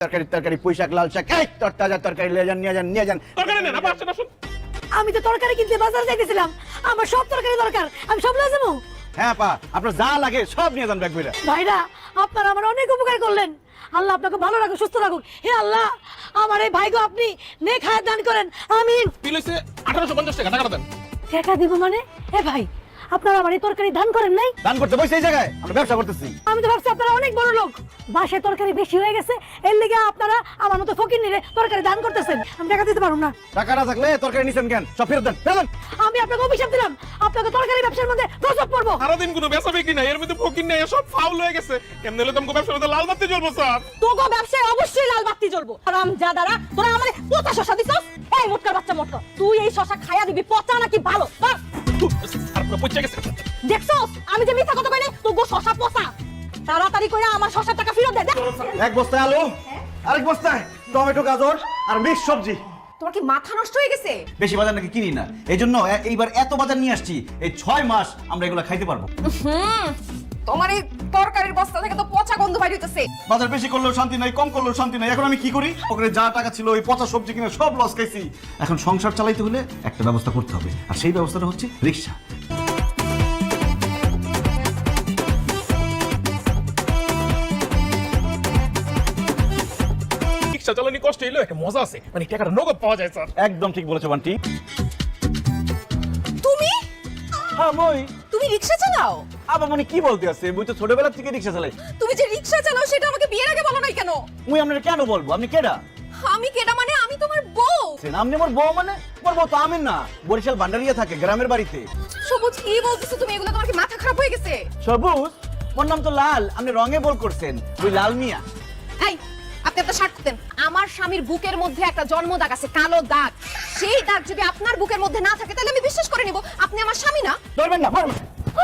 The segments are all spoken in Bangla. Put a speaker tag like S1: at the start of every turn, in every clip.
S1: তরকারি তরকারি পুঁইশাক লাল শাক এই তরতাজা তরকারি নিয়ে যান
S2: তরকারি নেন আবার আসেন আসুন।
S3: আমি তো তরকারি কিনতে বাজার যাইতেছিলাম, আমার সব তরকারি দরকার, আমি সব লয়ে যাবো।
S1: হ্যাঁ পা আপনার যা লাগে সব নিয়ে যান ব্যাগ বইরা।
S3: ভাইরা আপনারা আমার অনেক উপকার করলেন, আল্লাহ আপনাকে ভালো রাখুক, সুস্থ রাখুক। হে আল্লাহ, আমার এই ভাইগো আপনি নেক হায়াত দান করেন, আমিন।
S2: বিল হইছে 1850 টাকা, টাকাটা দেন।
S3: টাকা দিব মানে? এ ভাই, আপনারা আমার এই তরকারি দান করেন নাই?
S1: দান করতে বসে এই জায়গায় আমরা ব্যবসা করতেছি।
S3: আমি তো ভাবছি আপনারা অনেক বড় লোক, বাসায় তরকারি বেশি হয়ে গেছে, এর লেগে আপনারা আমার মতো ফকির নিলে তরকারি দান করতেছেন। আমি টাকা দিতে পারবো না।
S1: টাকা না থাকলে তরকারি নিছেন কেন? সব ফেরত দেন, ফেরত দেন।
S3: আমি আপনাকে অভিশাপ দিলাম, আপনাকে তরকারি ব্যবসার মধ্যে গজব পড়বো।
S2: সারাদিন কোনো বেচা বিক্রি নাই, এর মধ্যে ফকির নাই, সব ফাউল হয়ে গেছে। কেমনে হলে তোমাকে ব্যবসার মধ্যে লাল বাতি জ্বলবো স্যার?
S3: তোগো ব্যবসায় অবশ্যই লাল বাতি জ্বলবো। আরাম জাদারা, তোরা আমারে পচা শশা দিছস। এই মোটকার বাচ্চা মোটকা, তুই এই শশা খায়া দিবি, পচা নাকি ভালো?
S2: আর পুরো পচে গেছে।
S3: দেখছস আমি যে মিথ্যা কথা কইলে, তোগো শশা পচা। তাড়াতাড়ি কইরা আমার শশার টাকা ফেরত দে।
S1: এক বস্তায় আলু, আরেক বস্তায় টমেটো, গাজর আর মিক্স সবজি।
S4: তোমার কি মাথা নষ্ট হয়ে গেছে?
S1: বেশি বাজার নাকি কিনি না, এই জন্য এইবার এত বাজার নিয়ে আসছি। এই 6 মাস আমরা এগুলো খাইতে পারবো।
S4: তোমার এই তরকারির বস্তা থেকে তো পচা গন্ধ বাইরে হইতেছে।
S1: বাজার বেশি করলেও শান্তি নাই, কম করলেও শান্তি নাই। এখন আমি কি করি? ওখানে যা টাকা ছিল ওই পচা সবজি কিনে সব লস খাইছি। এখন সংসার চালাইতে হলে একটা ব্যবস্থা করতে হবে, আর সেই ব্যবস্থাটা হচ্ছে রিক্সা।
S2: রিকশা চালানি কষ্ট হইলো, একটা মজা আছে, মানে টাকাটা নগদ পাওয়া যায় স্যার।
S1: একদম ঠিক বলেছো বান্টি।
S4: তুমি
S1: হ্যাঁ মই।
S4: তুমি রিকশা চালাও?
S1: আবার মানে কি বলতে আছে? মুই তো ছোটবেলা থেকে রিক্সা চালাই।
S4: তুমি যে রিকশা চালাও সেটা আমাকে বিয়ের আগে বলো নাই কেন?
S1: মুই আপনাকে কেন বলবো? আপনি কেডা?
S4: আমি কেডা মানে? আমি তোমার বউ।
S1: আপনি আমার বউ মানে? আমার বউ তো আমিন না, বরিশাল ভান্ডারিয়া থাকে গ্রামের বাড়িতে।
S4: সবুজ কি বলতেছো তুমি? এগুলো তোমার কি মাথা খারাপ হয়ে গেছে?
S1: সবুজ? ওর নাম তো লাল, আপনি রঙে বল করছেন। ওই লাল মিয়া।
S4: এই, আপনি একটা শার্ট করতেন। আমার স্বামীর বুকের মধ্যে একটা জন্ম দাগ আছে, কালো দাগ। সেই দাগ যদি আপনার বুকের মধ্যে না থাকে তাহলে আমি বিশ্বাস করে নিব আপনি আমার স্বামী না।
S1: ধরবেন না, মারবেন।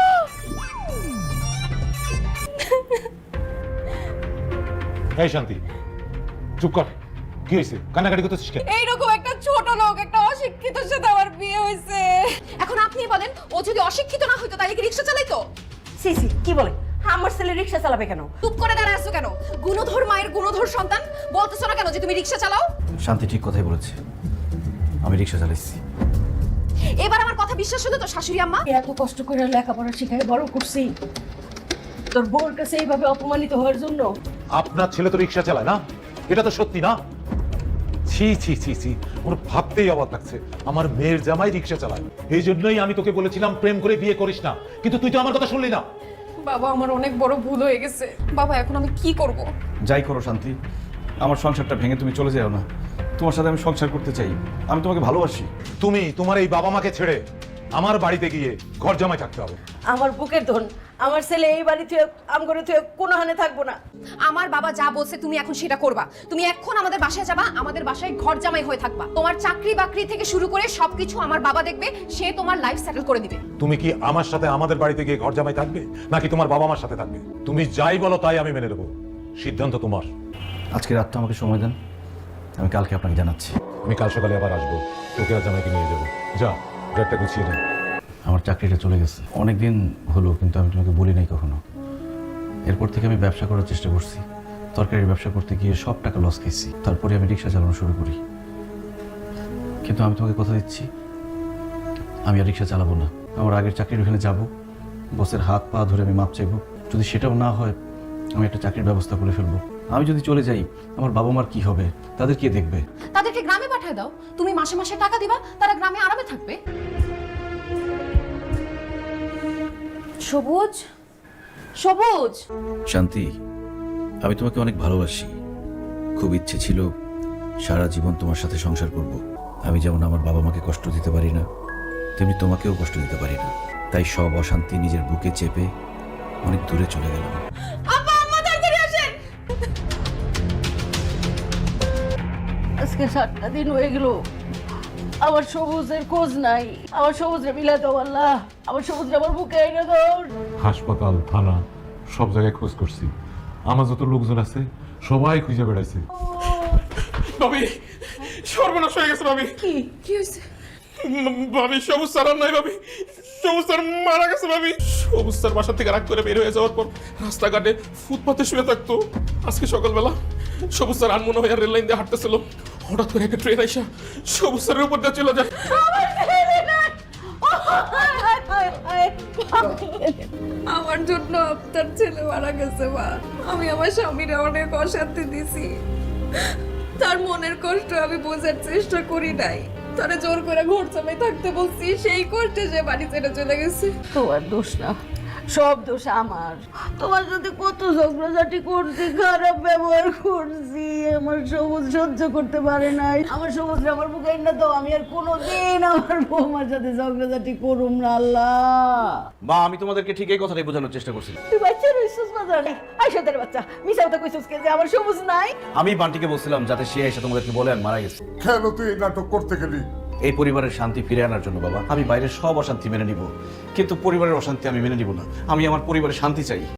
S5: এই শান্তি, চুপ কর। কি হয়েছে? কান্নাকাটি করতেছিস কেন?
S4: এইরকম একটা ছোট লোক, একটা অশিক্ষিতর সাথে আমার বিয়ে হয়েছে। এখন আপনি বলেন, ও যদি অশিক্ষিত না হইতো তাহলে কি রিকশা চালাইতো?
S3: সি সি, কি বলে? আমার ছেলে রিকশা চালাবে কেন?
S4: চুপ করে দাঁড়ায় আছো কেন? গুণধর মায়ের গুণধর সন্তান, বলতেছো না কেন যে তুমি রিকশা চালাও?
S1: শান্তি ঠিক কথাই বলেছে, আমি রিক্সা চালাইছি।
S4: এবার আমার কথা বিশ্বাস হতো তো শাশুড়ি আম্মা?
S3: এত কষ্ট করে লেখাপড়া শিখাই বড় করছি, তোর বউর কাছে এইভাবে অপমানিত হওয়ার জন্য?
S5: আপনার ছেলে তো রিক্সা চালায় না? এটা তো সত্যি না? ছি ছি ছি ছি, ওর ভাবতেই অবাক লাগছে। আমার মেয়ের জামাই রিক্সা চালায়। এই জন্যই আমি তোকে বলেছিলাম প্রেম করে বিয়ে করিস না, কিন্তু তুই তো আমার কথা শুনলি না।
S4: বাবা, আমার অনেক বড় ভুল হয়ে গেছে। বাবা, এখন আমি কি করব?
S1: যাই করো শান্তি, আমার সংসারটা ভেঙে তুমি চলে যাও না। তোমার সাথে আমি সংসার করতে চাই, আমি তোমাকে ভালোবাসি।
S5: তুমি তোমার এই বাবা মাকে ছেড়ে আমার বাড়িতে গিয়ে ঘর জামাই থাকতে হবে।
S3: আমার বুকের ধন, আমার ছেলে এই বাড়িতে আমগরে তুই কোনো হানে থাকবো না।
S4: আমার বাবা যা বলছে তুমি এখন সেটা করবা। তুমি এখন আমাদের বাসায় যাবা, আমাদের বাসায় ঘর জামাই হয়ে থাকবা। তোমার চাকরি বাকরি থেকে শুরু করে সবকিছু আমার বাবা দেখবে, সে তোমার লাইফ সেটেল করে দিবে।
S5: তুমি কি আমার সাথে আমাদের বাড়িতে গিয়ে ঘর জামাই থাকবে, নাকি তোমার বাবা মার সাথে থাকবে? তুমি যাই বলো তাই আমি মেনে নেবো, সিদ্ধান্ত তোমার।
S1: আজকে রাতটা আমাকে সময় দেন, আমি কালকে আপনাকে জানাচ্ছি।
S5: আমি কাল সকালে আবার আসবো, তোকে আর জামাইকে নিয়ে যাবো। যা, ব্যাগটা গুছিয়ে নে।
S1: আমার চাকরিটা চলে গেছে অনেক দিন হলো, কিন্তু আমি তোমাকে বলি নাই কখনো। এরপর থেকে আমি ব্যবসা করার চেষ্টা করছি, তরকারির ব্যবসা করতে গিয়ে সব টাকা লস খেয়েছি। তারপরে আমি রিক্সা চালানো শুরু করি, কিন্তু আমি তোমাকে কথা দিচ্ছি আমি আর রিক্সা চালাবো না। আমার আগের চাকরির ওখানে যাব, বসের হাত পা ধরে আমি মাপ চাইবো। যদি সেটাও না হয়, আমি একটা চাকরির ব্যবস্থা করে ফেলবো। আমি যদি চলে যাই, আমার বাবা মার কি হবে? তাদের কে দেখবে?
S4: তাদেরকে গ্রামে পাঠিয়ে দাও, তুমি মাসে মাসে টাকা দিবা, তারা গ্রামে আরামে থাকবে। সবুজ, সবুজ।
S6: শান্তি, আমি তোমাকে অনেক ভালোবাসি। খুব ইচ্ছে ছিল সারা জীবন তোমার সাথে সংসার করব। আমি যেমন আমার বাবা মাকে কষ্ট দিতে পারি না, তেমনি তোমাকেও কষ্ট দিতে পারি না। তাই সব অশান্তি নিজের বুকে চেপে অনেক দূরে চলে গেলাম।
S4: আব্বা, আম্মা তাড়াতাড়ি আসেন।
S3: আজকে 7টা দিন হয়ে গেল, আমার সবুজের খোঁজ নাই। আমার সবুজরে মিলাই দাও আল্লাহ, আমার সবুজরে আমার বুকে এনে দাও।
S5: হাসপাতাল, থানা, সব জায়গায় খোঁজ করছি। আমার যত লোকজন আছে সবাই খুঁজে বেড়াইছে।
S2: ভাবি, সর্বনাশ হয়ে গেছে ভাবি।
S3: কি
S4: কি হয়েছে?
S2: ভাবি, সবুজ স্যার আর নাই ভাবি, সবুজ স্যার মারা গেছে ভাবি। সবুজ স্যার বাসা থেকে রাগ করে বের হয়ে যাওয়ার পর রাস্তাঘাটে ফুটপাতে শুয়ে থাকতো। আজকে সকালবেলা সবুজ স্যার আনমনে হয়ে রেল লাইন দিয়ে হাঁটতেছিল, হঠাৎ করে একটা ট্রেন আইসা সবুজ স্যারের উপর দিয়ে চলে যায়।
S4: আমার জন্য আপনার ছেলে মারা গেছে মা। আমি আমার স্বামীর অনেক অশান্তি দিছি, তার মনের কষ্ট আমি বোঝার চেষ্টা করি নাই, তারা জোর করে ঘর জামাই থাকতে বলছি, সেই কষ্টে সে বাড়ি ছেড়ে চলে গেছে।
S3: তোমার দোষ না, সব দোষ আমার। তোমার সাথে কত ঝগড়াঝাটি করছি, খারাপ ব্যবহার করছি, আমার সবুজ সহ্য করতে পারে নাই। আমার সবুজ আমার বুকে না তো আমি আর কোনোদিন আমার বৌমার সাথে ঝগড়াঝাটি করুম না। আল্লাহ,
S1: মা আমি তোমাদেরকে ঠিক এই কথাটাই বোঝানোর চেষ্টা করছিলাম।
S3: তুই বাচ্চা রইছিস বাজারে, আইসা তোর বাচ্চা মিশা কথা কইছিস কে যে আমার সবুজ নাই?
S1: আমি বান্টিকে বলছিলাম যাতে সে এসে তোমাদেরকে বলে আর মারা গেছে।
S7: কেন তুই এই নাটক করতে গেলি?
S1: এই পরিবারের শান্তি ফিরে আনার জন্য বাবা। আমি বাইরের সব অশান্তি মেনে নিব, কিন্তু পরিবারের অশান্তি আমি মেনে নিব না। আমি আমার পরিবারের শান্তি চাই।